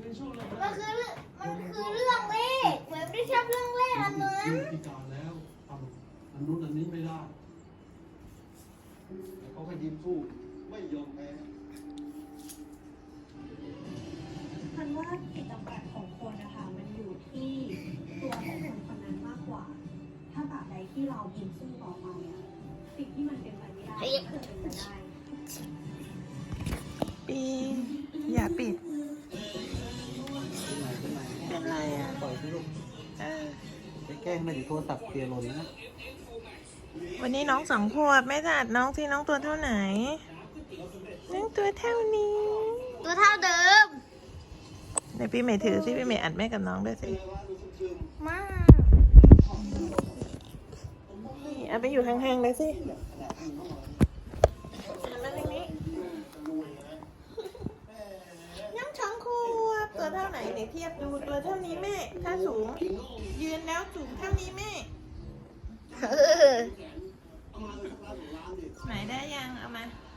มันคือเรื่องเลขเหมือนไม่ชอบเรื่องเลขอันนั้นพิการแล้วทำอันนู้นอันนี้ไม่ได้แต่เขาก็ยิ้มสู้ไม่ยอมแพ้พันว่าจิตจำกัดของคนนะคะมันอยู่ที่ตัวของคนคนนั้นมากกว่าถ้าตราบใดที่เรายิ้มสู้ต่อไปอะสิ่งที่มันเป็นไปไม่ได้ก็จะเป็นไปได้ปีอย่าปิดเป็นไรอ่ะปล่อยที่ลูกไปแกล้งไม่ถึงโทรศัพท์เตียหล่นนะวันนี้น้อง2 ขวบแม่จะอัดน้องที่น้องตัวเท่าไหนน้องตัวเท่านี้ตัวเท่าเดิมในพี่เมย์ถือสิพี่เมย์อัดแม่กับน้องด้วยสิมากนี่เอาไปอยู่ห่างๆเลยสิน้อง2 ขวบตัวเท่าไหนเดี๋ยวเทียบดูตัวเท่านี้แม่ถ้าสูงยืนแล้วสูงเท่านี้แม่ไหนได้ยังเอามา